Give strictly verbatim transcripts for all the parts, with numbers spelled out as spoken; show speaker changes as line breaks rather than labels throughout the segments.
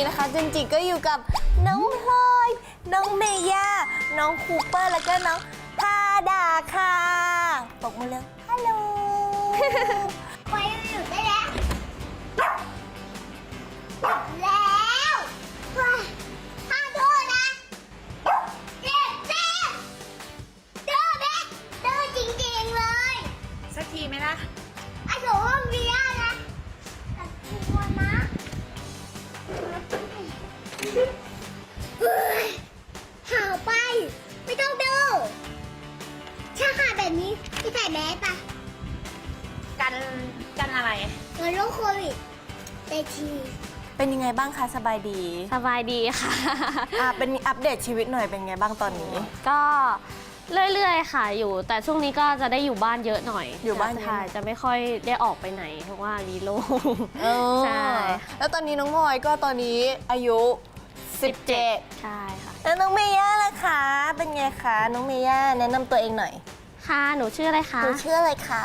นี้นะคะจันจิก็อยู่กับน้องพลอยน้องเมย่าน้องคูเปอร์แล้วก็น้องทาดาค่ะบอกมือเลยฮัลโหลไปอยู่ได้แล้วแล้วห้ามโทษนะเจ็บเจ็บเด้อเด็กเด้อจริงๆเลย
สักทีไหมล่ะ
ไอ้โถห้องเรียนนะแต่กลัวนะเฮ้ยห่าวไปไม่ต้องดูถ้าหาแบบนี้พี่ใส่แมสปะ
กันกันอะไร
กันโรคโควิดเตชีเป็นยังไงบ้างคะสบายดี
สบายดีค่ะ
อ่ะเป็นอัปเดตชีวิตหน่อยเป็นไงบ้างตอนนี้
ก็เรื่อยๆค่ะอยู่แต่ช่วงนี้ก็จะได้อยู่บ้านเยอะหน่อย
อยู่บ้าน
ค่ะจะไม่ค่อยได้ออกไปไหนเพราะว่ามีโรค
ใช่แล้วตอนนี้น้องพลอยก็ตอนนี้อายุสิบเจ็ด
ใช่ค่ะ
แล้วน้องเมย่าล่ะคะเป็นไงคะน้องเมย่าแนะนำตัวเองหน่อย
ค่ะหนูชื่ออะไรคะ
หนูชื่ออะไรคะ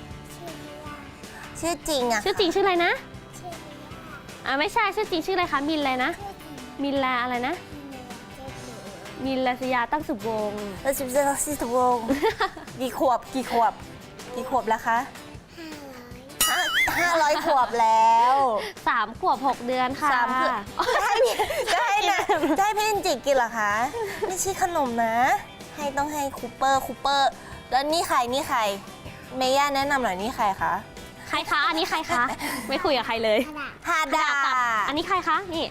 ชื่อจริงอะ
ชื่อจริงชื่ออะไรนะอ่าไม่ใช่ชื่อจริงชื่ออะไรคะมินอะไรนะมินลาอะไรนะมินลาสยาตั้งสุบวง
แล้วสิบเจ็ดสิบวงกี่ขวบกี่ขวบกี่ขวบแล้วคะห้าร้อยห้าร้อยขวบแล้ว
สามขวบหกเดือนค่ะ
สามขวบจะให้จะให้นะจะให้พี่จิกกินเหรอคะไม่ใช่ขนมนะให้ต้องให้คูเปอร์คูเปอร์แล้วนี่ใครนี่ใครเมย่าแนะนำหน่อยนี่ใครคะ
ใครคะอันนี้ใครคะไม่คุยกับใครเลย
ฮาดา
อันนี้ใครคะนี่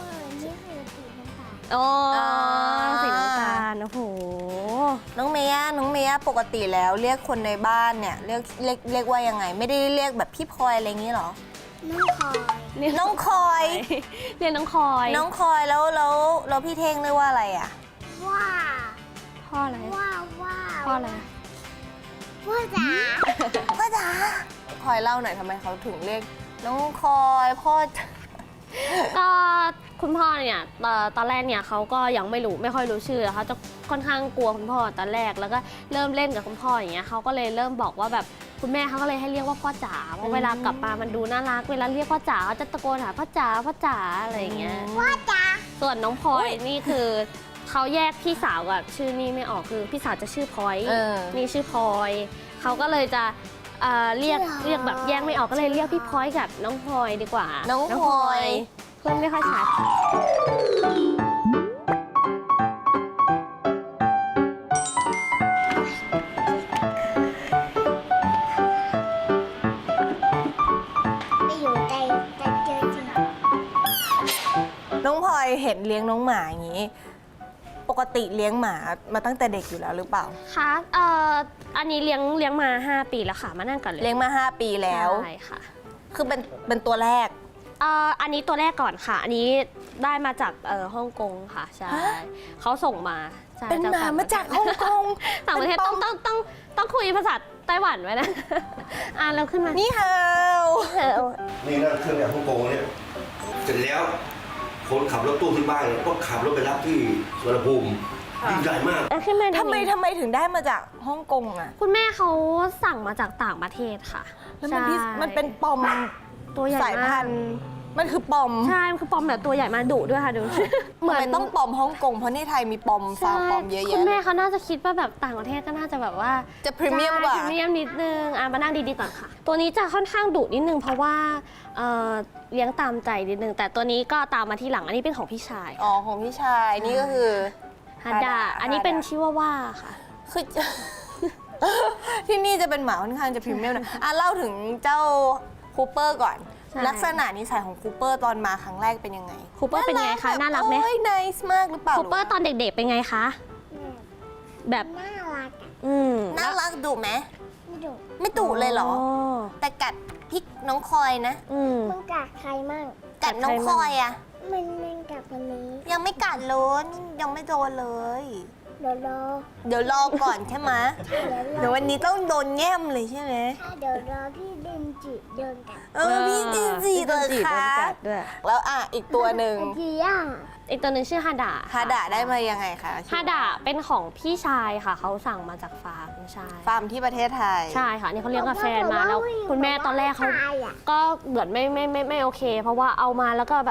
โอ้สีน้ำตาลโอ้โห
น้องเมย่าน้องเมย่าปกติแล้วเรียกคนในบ้านเนี่ยเรียกเรียกเรียกว่ายังไงไม่ได้เรียกแบบพี่พลอยอะไรอย่างนี้หรอน้องคอยน้องคอย
เรียกน้องคอย
น้องคอยแล้วแล้วแล้วพี่เท่งเรียกว่าอะไรอ่ะว่า
พ่ออะไร
ว่าว่า
พ่ออะไร
พ่อจ๋าพ่อจ๋าคอยเล่าหน่อยทำไมเขาถึงเรียกน้องคอยพ่อ
ก็คุณพ่อเนี่ยตอนแรกเนี่ยเขาก็ยังไม่รู้ไม่ค่อยรู้ชื่อเขาจะค่อนข้างกลัวคุณพ่อตอนแรกแล้วก็เริ่มเล่นกับคุณพ่ออย่างเงี้ยเขาก็เลยเริ่มบอกว่าแบบคุณแม่เขาก็เลยให้เรียกว่าพ่อจ๋าเพราะเวลากลับมามันดูน่ารักเวลาเรียกพ่อจ๋าเขาจะตะโกนหาพ่อจ๋าพ่อจ๋าอะไรอย่างเงี้ย
พ่อจ๋า
ส่วนน้องพลอยนี่คือเขาแยกพี่สาวกับชื่อนี่ไม่ออกคือพี่สาวจะชื่อพลอยนี่ชื่อพลอยเขาก็เลยจะเรียกเรียกแบบแยกไม่ออกก็เลยเรียกพี่พลอยกับน้องพลอยดีกว่า
น้องพลอย
เพื่อนไม่ค่อยชัด
ไม่อยู่ใจจะเจอจริงน้องพลอยเห็นเลี้ยงน้องหมาอย่างนี้ปกติเลี้ยงหมามาตั้งแต่เด็กอยู่แล้วหรือเปล่า
คะเอ่ออันนี้เลี้ยงเลี้ยงมาห้าปีแล้วค่ะมานั่งก่อนเลย
เลี้ยงมาห้าปีแล้ว
ใช่ค่ะ
คือเป็นเป็นตัวแรก
เอ่ออันนี้ตัวแรกก่อนค่ะอันนี้ได้มาจากเอ่อฮ่องกงค่ะใช่เขาส่งมา
เป็นหมามาจากฮ่องกง
ต่างประเทศต้องต้องต้องต้องคุยภาษาไต้หวันไว้นะอ่านแล้วขึ้นมา
นี่ฮาว
นี่นั่นเครื่องแบบฮ่องกงเนี่ยเสร็จแล้วคนขับรถตู้ที่บ้านก็ขับรถไปรับที่สุวรรณภูมิยิ่งใหญ่มาก
ทำไมทำไมถึงได้มาจากฮ่องกงอ่ะ
คุณแม่เขาสั่งมาจากต่างประเทศค่ะ
แล้วมันมันเป็นปอม
ตัวใหญ่
สายพันธุ์มันคือปอม
ใช่มันคือปอมแบบตัวใหญ่มาดุด้วยค่ะดู
เหมือนต้องปอมฮ่องกงเพราะในไทยมีปอมฟาร์มปอมเยอะแยะ
คุณแม่เขาน่าจะคิดว่าแบบต่างประเทศก็น่าจะแบบว่า
จะพรีเมียมกว่า
พรีเมียมนิดนึงอ่ะมานั่งดีๆก่อนค่ะตัวนี้จะค่อนข้างดุนิดนึงเพราะว่าเลี้ยงตามใจนิดนึงแต่ตัวนี้ก็ตามมาที่หลังอันนี้เป็นของพี่ชาย
อ๋อของพี่ชายนี่ก็คือ
ฮัดดาอันนี้เป็นชิวาว่าค่ะ
คือที่นี่จะเป็นหมาค่อนข้างจะพรีเมียมนะอ่ะเล่าถึงเจ้าคูเปอร์ก่อนลักษณะนิสัยของคูเปอร์ตอนมาครั้งแรกเป็นยังไง
คูเปอร์เป็นไงคะน่ารักไหม
โอ้ยไนส์มากหรือเปล่า
คูเปอร์ตอนเด็กๆเป็นไงคะแบบ
น่ารัก
อืม
น่ารักดุไหม
ไม่ดุ
ไม่ดุเลยเหรอแต่กัดพี่น้องคอยนะ
มันกัดใครมั่ง
กัดน้องคอยอะ
มันมันกัดคนนี้
ยังไม่กัดเลยยังไม่โดนเลย
เดี๋ยวรอ
เดี๋ยวรอก่อนใช่ไหมเดี๋ยววันนี้ต้องโดนแง้มเลยใช่ไหม
เดี๋ยวรอพี่ดินจิเดินกัด
เออพี่ดินจิเลยค่ะแล้วอ่ะอีกตัวหนึ่ง
พี่ย่า
อีกตัวหนึ่งชื่อฮาดา
ฮาดาได้มายังไงคะ
ฮาดาเป็นของพี่ชายค่ะเขาสั่งมาจากฟาร์มใช่
ฟาร์มที่ประเทศไทย
ใช่ค่ะนี่เขาเลี้ยงกาแฟนมาแล้วคุณแม่ตอนแรกเขาก็เหมือนไม่ไม่ไม่ไม่โอเคเพราะว่าเอามาแล้วก็แบบ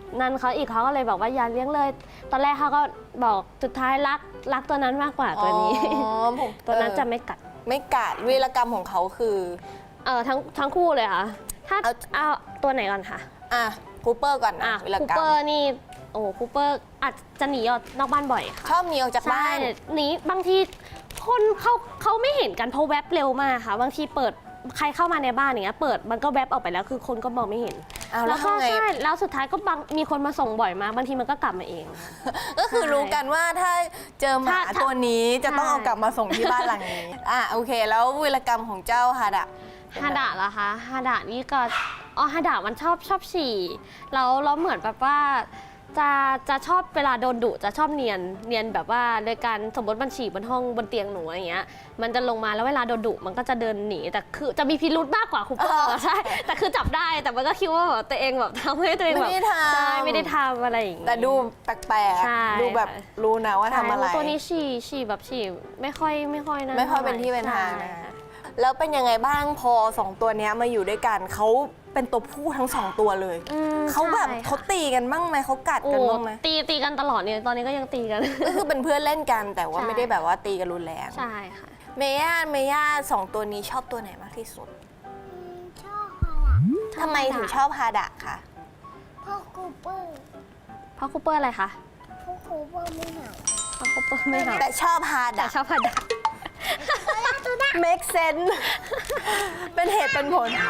นั่นเขาอีกเขาก็เลยบอกว่าอย่าเลี้ยงเลย ตอนแรกเขาก็บอกสุดท้ายรักรักตัวนั้นมากกว่าตัวนี้
อ๋อผม
ตัวนั้น
เออ
จะไม่กัด
ไม่กัดวีรกรรมของเขาคือ
เออทั้งทั้งคู่เลยค่ะ ถ้า
เอา
เอาตัวไหนก่อนคะ
อ่ะคูเปอร์ก่อน
อ่ะ
นะวีร
คู
กรร
เปอ
ม
ร์นี่โอ้คูเปอร์อาจจะหนีออกนอกบ้านบ่อยค่ะ
ชอบหนีออกจาก
ใช่
บ้าน
หนีบางทีคนเขาเขาไม่เห็นกันเพราะแวบเร็วมากค่ะ บางทีเปิดใครเข้ามาในบ้านอย่างเงี้ยเปิดมันก็แวบออกไปแล้วคือคนก็มองไม่เห็น
เอาแล้
แล้ว วก็
ทำไง
ใช่แล้วสุดท้ายก็บางมีคนมาส่งบ่อยมากบางทีมันก็กลับมาเอง
ก็คือรู้กันว่าถ้าเจอหมา
ถ้าถ้า
ตัวนี้จะต้อง
ใช่
เอากลับมาส่งที่บ้านหลังนี้ อ่ะโอเค แล้ววีรกรรมของเจ้าฮาดะ
ฮาดะเหรอคะฮาดะนี่ก็อ๋อฮาดะมันชอบชอบฉี่แล้วแล้วเหมือนแบบว่าจะจะชอบเวลาโดนดุจะชอบเนียนเนียนแบบว่าโดยการสมมติมันฉี่บนห้องบนเตียงหนูอย่างเงี้ยมันจะลงมาแล้วเวลาโดนดุมันก็จะเดินหนีแต่คือจะมีพิรุธมากกว่าคูเปอร์ใช่แต่คือจับได้แต่มันก็คิดว่าแบบตัวเองแบบทำให้ตัวเองแบบ
ไม่ได้ทำ
ใช่ไม่ได้ทำอะไรอย่างเงี้ย
แต่ดูแปลก
ใช่
ๆ ดูแบบรู้นะว่าทำอะไร
ใช่ตัวนี้ฉี่ฉี่แบบฉี่ไม่ค่อยไม่ค่อยนะ
ไม่ค่อยเป็นที่เป็นทาง
ใช่
นะ แล้วเป็นยังไงบ้างพอสองตัวเนี้ยมาอยู่ด้วยกันเขาเป็นตัวผู้ทั้งสองตัวเลย
อืม
เขาแบบ
ใช่ค่ะ
เขาตีกันบ้างไหมเขากัด
โอ้
กันบ้างไหม
ตีตีกันตลอดเนี่ยตอนนี้ก็ยังตีกัน
ก็คือเป็นเพื่อนเล่นกันแต่ว่า
ใช่
ไม่ได้แบบว่าตีกันรุนแรง
ใช่ค่ะ
เมย่าเมย่าสองตัวนี้ชอบตัวไหนมากที่สุด
ชอบอะไร
ทำไมถึงชอบฮาดะคะ
พ่อคูเปอร์
เพราะคูเปอร์อะไรคะ
พ่อคูเปอร์ไม่เหงา
เพราะคูเปอร์ไม่หา
แต่ชอบฮา
แต่
ดะ
ชอบพันดา
make sense เป็นเหตุเป็นผล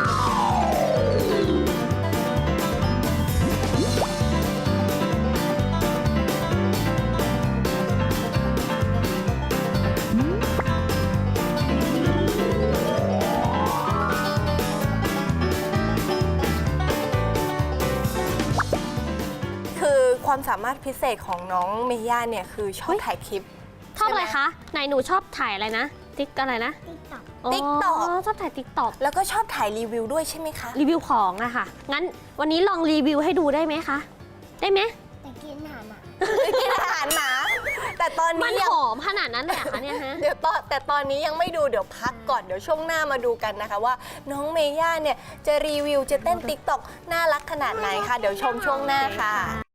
คือความสามารถพิเศษของน้องเมย่าเนี่ยคือชอบถ่ายคลิป
ชอบอะไรคะ ไหนหนูชอบถ่ายอะไรนะ ติ๊กอะไรนะ
ติ๊กต็อก
TikTok
ชอบถ่ายติ๊กต็อก
แล้วก็ชอบถ่ายรีวิวด้วยใช่ไหมคะ
รีวิวของอะค่ะ งั้นวันนี้ลองรีวิวให้ดูได้ไหมคะ ได้ไหม
แต่กินอาหารอ่ะ
กินอาหารหมา แต่ตอน
มั
นี้
น
ยัง
หอมขนาดนั้นเลยเหรอคะเนี่ยฮะ
เดี๋ยวตอนแต่ตอนนี้ยังไม่ดูเดี๋ยวพักก่อนเดี๋ยวช่วงหน้ามาดูกันนะคะว่าน้องเมย่าเนี่ยจะรีวิวจะเต้นติ๊กต็อกน่ารักขนาดไหนคะเดี๋ยวชมช่วงหน้าค่ะ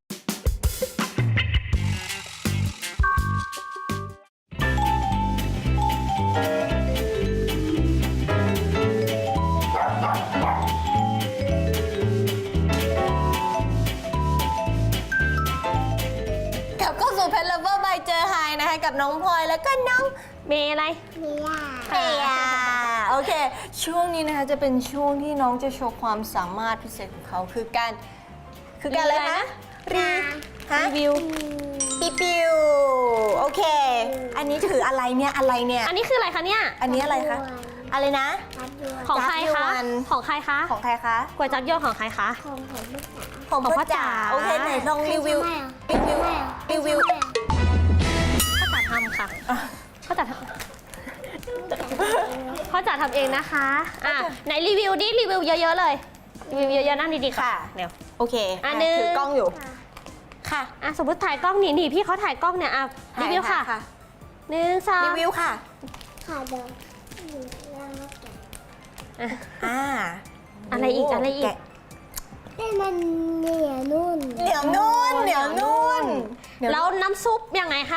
กลับเข้าสู่เพ t เลเวอร์บายเจอไฮนะคะกับน้องพลอยแล้วก็น้อง
เมย์อะไร
เมีย
เปียโอเค ช่วงนี้นะคะจะเป็นช่วงที่น้องจะโชว์ความสามารถพิเศษของเขาคือการคือการอะไรนะรีฮะ
รีวิว
ปีปิวโอเค อันนี้ถืออะไรเนี่ยอะไรเนี่ย
อันนี้คืออะไรคะเนี่ย
อันนี้อะไรคะอะไรนะ
รัดด้วย
ของใคร
จับย
คะ
วน
ของใครคะ
ของใครคะ
ก๋วยจั๊บโยกของใครคะ
ของผมไม่จ๋า
ของ
ของ
พ่
พ่
อ
อ
จ๋า
จ๋า
โอเคไหนลองรีวิวรีวิวรีวิว
พ่อจ๋าทำค่ะพ่อจ๋าทำพ่อจ๋าทำเองนะคะ อ่ะไหนรีวิวดิรีวิวเยอะๆเลย รีวิวเยอะๆนั่งดีๆค่ะ
ค่ะ
เดี๋ยว
โอเค
อันหนึ่ง
ถือกล้องอยู่ค่ะ
อ่ะสมมติถ่ายกล้องหนีหนีพี่เขาถ่ายกล้องเนี่ยอ่ะรีวิวค่ะหนึ่งสอง
รีวิวค่ะ
ขาเดินอยู่แล้วแกะ
อ่ะ
อ่า
อะไรอีกอะไรอีก
แะ
แต่มันเหนียวนุ่น
เหนียวนุ่นเหนียวนุ่นเดี๋ยว
แล้วน้ำซุปยังไงคะ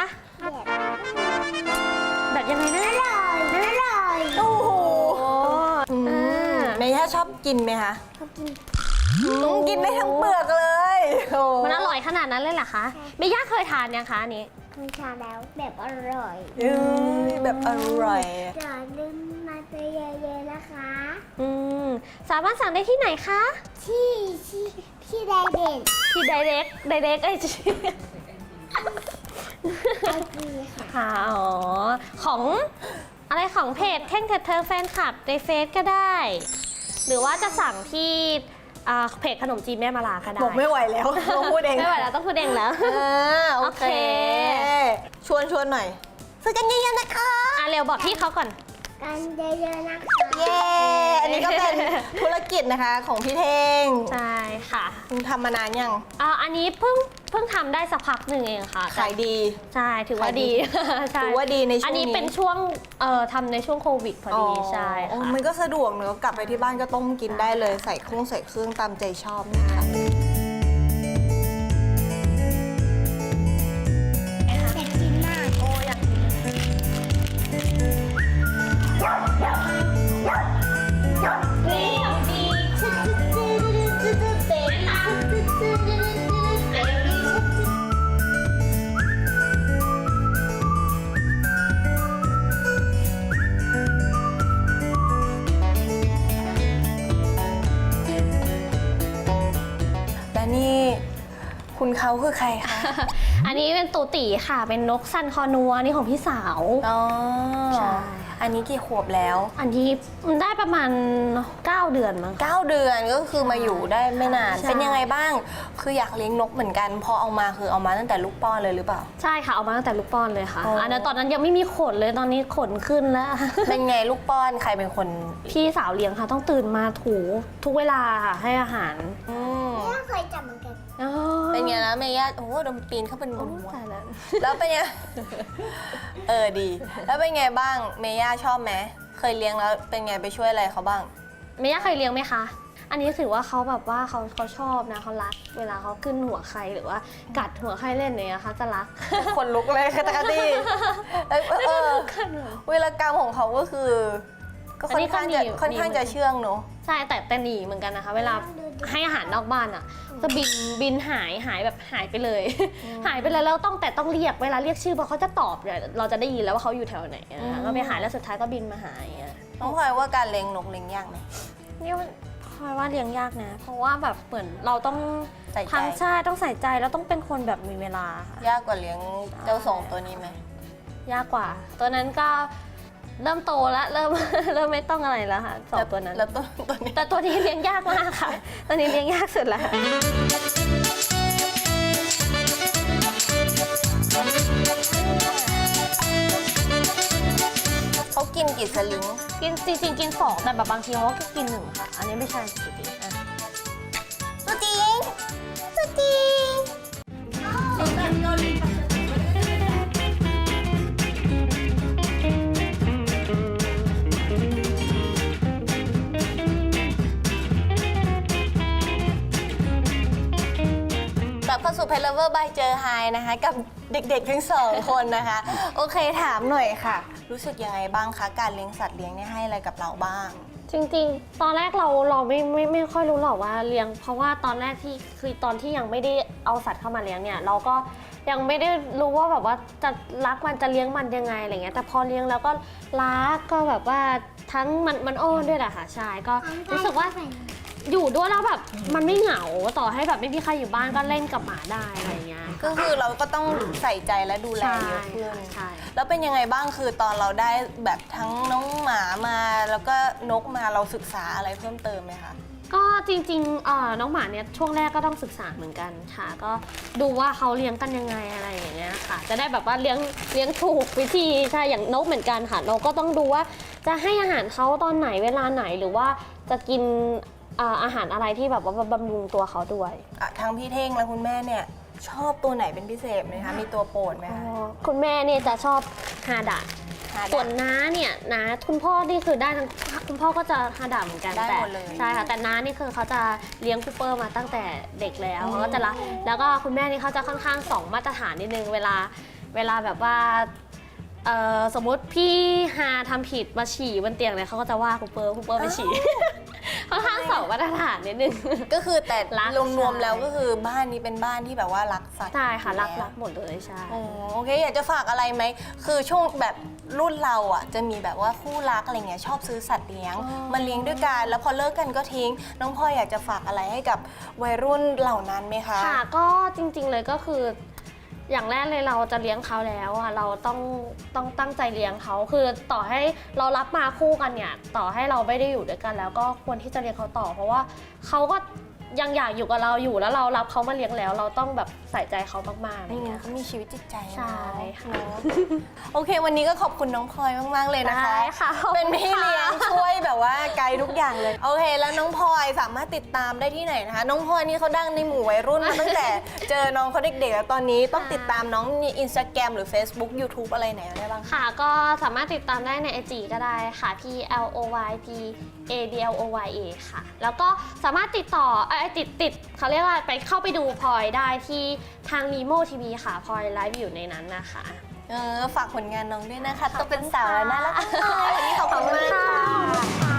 แบบ
แบบยังไงนะ
อร่อยอร่อย
โอ้โห
อืม
เมย่าชอบกินไหมคะ
เขากิน
อืมกินได้ทั้งเปลือกเลยโอ้
มันอร่อยขนาดนั้นเลยเหรอคะเมย่าเคยทานยังคะอันนี้
เคยทานแล้วแบบอร่อย
เอ้ยแบบอร่อย
อย่าลืมมาเจอเยอะๆนะคะ
อืมสามารถสั่งได้ที่ไหนคะ
ที่ที่ที่ไดเด่น
ที่ direct direct ไอจี
ไอจีค่ะ
ค่ะอ๋อของอะไรของเพจเท่งเถิดเธอแฟนคลับในเฟซก็ได้ หรือว่าจะสั่งที่อ่าเพจขนมจีนแม่มาลาก็ได้
บอกไม่ไหวแล้วต้องพูดเอง
ไม่ไหวแล้วต้องพูดเองแล้ว
อ่าโอเค
โอเค
ชวนชวนหน่อยซื้อกันเยอะๆนะคะ
อ่ะเร็วบอกที่เขาก่อน
กันเยอะๆนะคะ
เย้ อันนี้ก็เป็นธุรกิจนะคะของพี่เท่ง
ใช่ค่ะ
คุณทำมานานยัง
อ่าอันนี้เพิ่งเพิ่งทำได้สักพักหนึ่งเองค่ะ
ขายดี
ใช่ถือว่าดี ใช่
ถือว่าดีในช่วงนี้
อันนี้เป็นช่วงเอ่อทำในช่วงโควิดพอดีใช่
โอ้
ค่ะ
มันก็สะดวกเนอะกลับไปที่บ้านก็ต้มกินได้เลยใส่เครื่องใส่เครื่องตามใจชอบนะคะคุณเขาคือใครคะ
อันนี้เป็นตูตีค่ะเป็นนกซันคอนัวนี่ของพี่สาว
อ๋อ
ใช่
อันนี้กี่ขวบแล้ว
อันนี้ได้ประมาณเก้าเดือนมั้งค่ะ
เก้าเดือนก็คือมาอยู่ได้ไม่นาน
ใช่
เป็นยังไงบ้าง คืออยากเลี้ยงนกเหมือนกัน พอเอามาคือเอามาตั้งแต่ลูกป้อนเลยหรือเปล่า
ใช่ค่ะเอามาตั้งแต่ลูกป้อนเลยค่ะ
อ๋ออั
อันนั้นตอนนั้นยังไม่มีขนเลยตอนนี้ขนขึ้นแล้ว
เป็นไงลูกป้อนใครเป็นคน
พี่สาวเลี้ยงค่ะต้องตื่นมาถูทุกเวลาค่ะให้อาหาร
อืม
ไม่เคยจับเหมือนกัน
อ๋อ
เป็นไงนะเมย่าโอ้โหโดนปีนเข้าเป็นบนหัว
ตายแล้ว
แล้วเป็นไง เออดี แล้วเป็นไงบ้างเมย่าชอบไหมเคยเลี้ยงแล้วเป็นไงไปช่วยอะไรเขาบ้าง
เมย่าเคยเลี้ยงไหมคะ อันนี้ถือว่าเขาแบบว่าเขาเขาชอบนะเขารัก เวลาเขาขึ้นหัวใครหรือว่ากัดหัวใครเล่นเนี่ยเขาจะรัก
คนลุกเลยค่ะตะกะตี้เออเออเวลากรรมของเขาก็คือ ก็ค่อนข้างจะ
อันนี้ก็หนี
ค่อนข้างจะเชื่องเนอะ
ใช่แต่แต่หนีเหมือนกันนะคะ เวลาให้อาหารนอกบ้านอ่ะจะบินบินหายหายแบบหายไปเลย หายไปเลยแล้วต้องแต่ต้องเรียกเวลาเรียกชื่อพอเขาจะตอบเนี่ยเราจะได้ยินแล้วว่าเขาอยู่แถวไหนอะ
อืม
ก็ไปหายแล้วสุดท้ายก็บินมาหายอะ
น้องพลอยว่าการเลี้ยงนกเลี้ยงยากไหม
นี่พลอยว่าเลี้ยงยากนะ เพราะว่าแบบเหมือนเราต้อง
ใส่ใจ
ทั้งใช่ต้องใส่ใจแล้วต้องเป็นคนแบบมีเวลาค่ะ
ยากกว่าเลี้ยงเจ้าสองตัวนี้ไหม
ยากกว่า ตัวนั้นก็เริ่มโตแล้วเริ่ม เริ่มไม่ต้องอะไรแล้วค่ะสองตัวนั้น
แล้วตัวตัวนี้
แต่ตัวนี้เลี้ยงยากมากค่ะ ตัวนี้เลี้ยงยากสุดแล้วค่ะ
เขากินกี่สลิง
กินจริงๆกินสองแต่แบบบางทีเขาก็กินหนึ่งค่ะ อันนี้ไม่ใช่จริงๆอ่ะ
ตัวจริงตัวจริงกลับเข้าสู่ Pet Lover by เจอไฮนะคะกับเด็กๆทั้งสองคนนะคะ โอเคถามหน่อยค่ะ รู้สึกยังไงบ้างคะ การเลี้ยงสัตว์เลี้ยงเนี่ยให้อะไรกับเราบ้าง
จริงๆ ตอนแรกเราเราไม่ไม่ไม่ค่อยรู้หรอกว่าเลี้ยง เพราะว่าตอนแรกที่คือตอนที่ยังไม่ได้เอาสัตว์เข้ามาเลี้ยงเนี่ยเราก็ยังไม่ได้รู้ว่าแบบว่าจะรักมันจะเลี้ยงมันยังไงอะไรเงี้ยแต่พอเลี้ยงแล้วก็รักก็แบบว่าทั้งมันมันอ้อนด้วยแหละค่ะใช่ก็รู้สึกว่าอยู่ด้วยแล้วแบบมันไม่เหงาต่อให้แบบไม่มีใครอยู่บ้านก็เล่นกับหมาได้อะไรเงี้ย
ก็คือเราก็ต้องใส่ใจและดูแลเยอะขึ้น
ใช่
แล้วเป็นยังไงบ้างคือตอนเราได้แบบทั้งน้องหมามาแล้วก็นกมาเราศึกษาอะไรเพิ่มเติมไหมคะ
ก็จริงๆเอ่อน้องหมาเนี่ยช่วงแรกก็ต้องศึกษาเหมือนกันค่ะ ก็ดูว่าเขาเลี้ยงกันยังไงอะไรอย่างเงี้ยค่ะ จะได้แบบว่าเลี้ยงเลี้ยงถูกวิธีใช่อย่างนกเหมือนกันค่ะ เราก็ต้องดูว่าจะให้อาหารเขาตอนไหนเวลาไหนหรือว่าจะกินอ่าอาหารอะไรที่แบบว่าบำรุงตัวเขาด้วย
อ่ะทั้งพี่เท่งและคุณแม่เนี่ยชอบตัวไหนเป็นพิเศษไหมคะ มีตัวโปรดไหมคะ
คุณแม่เนี่ยจะชอบฮาดะ
หาได้
ส่วนน้าเนี่ยน้าคุณพ่อนี่คือได้ทั้งคุณพ่อก็จะฮาดะเหมือนกัน
ได้
แต่
หมดเลย
ใช่ค่ะแต่น้านี่คือเขาจะเลี้ยงคูเปอร์มาตั้งแต่เด็กแล้ว
อืม
เขาก็จะรักแล้วก็คุณแม่นี่เขาจะค่อนข้างสองมาตรฐานนิดนึงเวลาเวลาแบบว่าเอ่อสมมติพี่ฮาทำผิดมาฉี่บนเตียงเลยเขาก็จะว่าคูเปอร์คูเปอร์ไปฉี่ ค่อนข้างสองมาตรฐานนิดนึง
ก็คือแต่
รัก
รวมๆ
ใช่
แล้วก็คือบ้านนี้เป็นบ้านที่แบบว่ารักสัตว์
ใช่ค่ะรัก
อยู่
รั
แล้ว
กหมดเลยใช่
โอ้โอเคอยากจะฝากอะไรไหมคือช่วงแบบรุ่นเราอ่ะจะมีแบบว่าคู่รักอะไรเงี้ยชอบซื้อสัตว์เลี้ยง
อ๋อ
มาเลี้ยงด้วยกันแล้วพอเลิกกันก็ทิ้ง น้องพลอยอยากจะฝากอะไรให้กับวัยรุ่นเหล่านั้นไหมคะ
ค่ะก็จริงๆเลยก็คือ อย่างแรกเลยเราจะเลี้ยงเขาแล้วอ่ะเราต้องต้องตั้งใจเลี้ยงเขาคือต่อให้เรารับมาคู่กันเนี่ยต่อให้เราไม่ได้อยู่ด้วยกันแล้วก็ควรที่จะเลี้ยงเขาต่อ เพราะว่าเขาก็ยังอยากอยู่กับเราอยู่แล้วเรารับเขามาเลี้ยงแล้ว เราต้องแบบใส่ใจเขามากๆอะไร
นี่ไง
เงี้ย
เขามีชีวิตจิตใจ
ใช่ค่ะ
เนอะโอเค วันนี้ก็ขอบคุณน้องพลอยมาก ๆ เลยนะคะ
ได้ค่ะขอบคุณ
เป็นพี่เลี้ยง
ค่ะ
ช่วยแบบว่าไกด์ทุกอย่างเลย โอเค แล้วน้องพลอยสามารถติดตามได้ที่ไหนนะคะ น้องพลอยนี่เขาดังในหมู่วัยรุ่นมาตั้งแต่เจอน้องเขาเด็กๆแล้วตอนนี้ต้องติดตามน้องใน Instagram หรือ Facebook YouTube อะไรไหนได้บ้างคะ
ค่ะก็สามารถติดตามได้ใน ไอ จี ก็ได้ค่ะ P L O Y P A D L O Y A ค่ะ แล้วก็สามารถติดต่อเอ้ยติดติดเขาเรียกว่าไปเข้าไปดูพลอยได้ที่ทาง Nemo ที วี ค่ะพลอยไลฟ์อยู่ในนั้นนะคะ
เออฝากผลงานน้องด้วยนะคะต้องเป็นสาวแล้วน่ารักมากเลยวันนี้ขอบคุณมากค่ะ